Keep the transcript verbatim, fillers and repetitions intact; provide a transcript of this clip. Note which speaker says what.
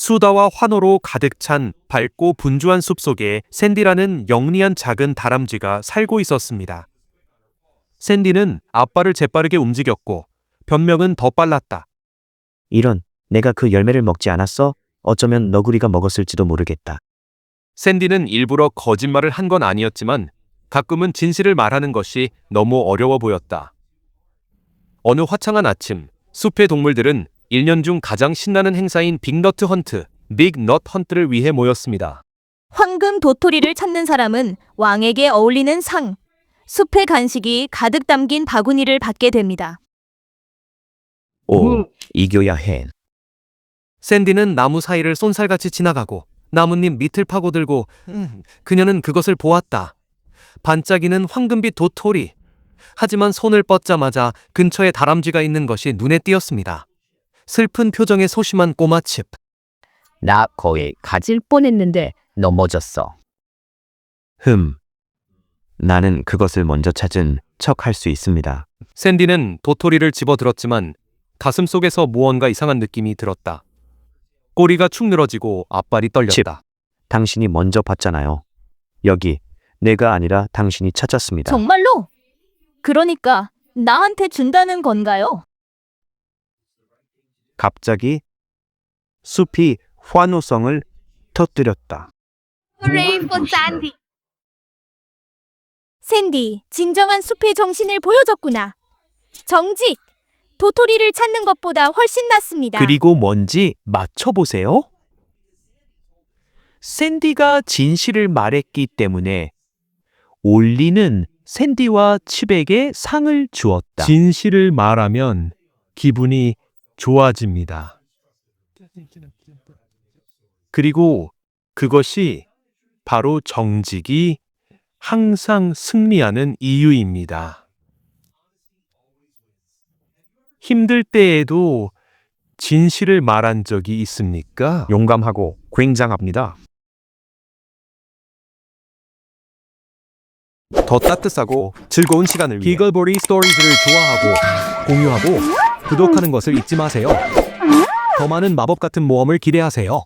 Speaker 1: 수다와 환호로 가득 찬 밝고 분주한 숲속에 샌디라는 영리한 작은 다람쥐가 살고 있었습니다. 샌디는 앞발을 재빠르게 움직였고 변명은 더 빨랐다.
Speaker 2: 이런, 내가 그 열매를 먹지 않았어? 어쩌면 너구리가 먹었을지도 모르겠다.
Speaker 1: 샌디는 일부러 거짓말을 한 건 아니었지만 가끔은 진실을 말하는 것이 너무 어려워 보였다. 어느 화창한 아침, 숲의 동물들은 일 년 중 가장 신나는 행사인 빅너트 헌트, 빅넛 헌트를 위해 모였습니다.
Speaker 3: 황금 도토리를 찾는 사람은 왕에게 어울리는 상, 숲의 간식이 가득 담긴 바구니를 받게 됩니다.
Speaker 2: 오, 이겨야 해.
Speaker 1: 샌디는 나무 사이를 쏜살같이 지나가고 나뭇잎 밑을 파고들고 음, 그녀는 그것을 보았다. 반짝이는 황금빛 도토리. 하지만 손을 뻗자마자 근처에 다람쥐가 있는 것이 눈에 띄었습니다. 슬픈 표정의 소심한 꼬마칩.
Speaker 4: 나 거의 가질 뻔했는데 넘어졌어.
Speaker 2: 흠. 나는 그것을 먼저 찾은 척 할 수 있습니다.
Speaker 1: 샌디는 도토리를 집어들었지만 가슴 속에서 무언가 이상한 느낌이 들었다. 꼬리가 축 늘어지고 앞발이 떨렸다.
Speaker 2: 당신이 먼저 봤잖아요. 여기, 내가 아니라 당신이 찾았습니다.
Speaker 3: 정말로? 그러니까 나한테 준다는 건가요?
Speaker 2: 갑자기 숲이 환호성을 터뜨렸다.
Speaker 3: 샌디, 진정한 숲의 정신을 보여줬구나. 정직! 도토리를 찾는 것보다 훨씬 낫습니다.
Speaker 1: 그리고 뭔지 맞춰보세요. 샌디가 진실을 말했기 때문에 올리는 샌디와 칩에게 상을 주었다. 진실을 말하면 기분이 좋아집니다. 그리고 그것이 바로 정직이 항상 승리하는 이유입니다. 힘들 때에도 진실을 말한 적이 있습니까?
Speaker 2: 용감하고 굉장합니다.
Speaker 1: 더 따뜻하고 즐거운 시간을 위해 비글보리 스토리즈를 좋아하고 공유하고 구독하는 것을 잊지 마세요. 더 많은 마법 같은 모험을 기대하세요.